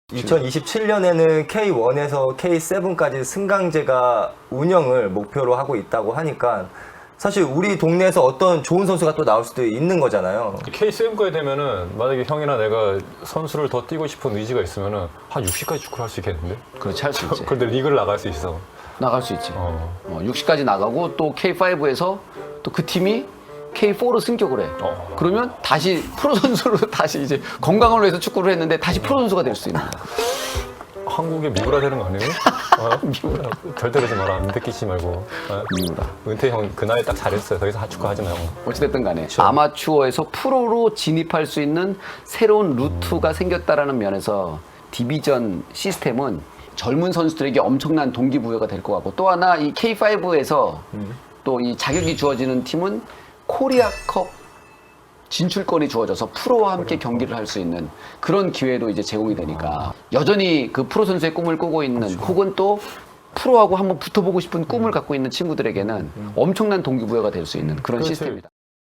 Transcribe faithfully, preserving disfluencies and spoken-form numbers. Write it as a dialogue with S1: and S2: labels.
S1: 이천이십칠 년에는 케이 원에서 케이 세븐까지 승강제가 운영을 목표로 하고 있다고 하니까 사실 우리 동네에서 어떤 좋은 선수가 또 나올 수도 있는 거잖아요.
S2: 케이 세븐까지 되면은 만약에 형이나 내가 선수를 더 뛰고 싶은 의지가 있으면은 한 육십까지 축구를 할 수 있겠는데?
S3: 그렇지, 할 수 있지.
S2: 그런데 리그를 나갈 수 있어.
S3: 나갈 수 있지.
S2: 어.
S3: 어, 육십까지 나가고 또 케이 파이브에서 또 그 팀이 케이 포로 승격을 해.
S2: 어.
S3: 그러면 다시 프로 선수로 다시 이제 건강을 위해서 축구를 했는데 다시 프로 선수가 될 수 있는 거야.
S2: 한국에 미우라 되는 거 아니에요? 어? 미우라. 절대 그러지 마라. 안 듣기지 말고. 어?
S3: 미우라.
S2: 은퇴 형 그 나이에 딱 잘했어요. 더 이상 하축구 하지 마 형.
S3: 어찌됐든 간에 아마추어에서 프로로 진입할 수 있는 새로운 루트가 생겼다라는 면에서 디비전 시스템은 젊은 선수들에게 엄청난 동기부여가 될 것 같고, 또 하나 이 케이 파이브에서 또 이 자격이 주어지는 팀은 코리아컵 진출권이 주어져서 프로와 함께 경기를 할 수 있는 그런 기회도 이제 제공이 되니까 여전히 그 프로 선수의 꿈을 꾸고 있는, 혹은 또 프로하고 한번 붙어보고 싶은 꿈을 갖고 있는 친구들에게는 엄청난 동기부여가 될 수 있는 그런
S2: 그렇지.
S3: 시스템이다.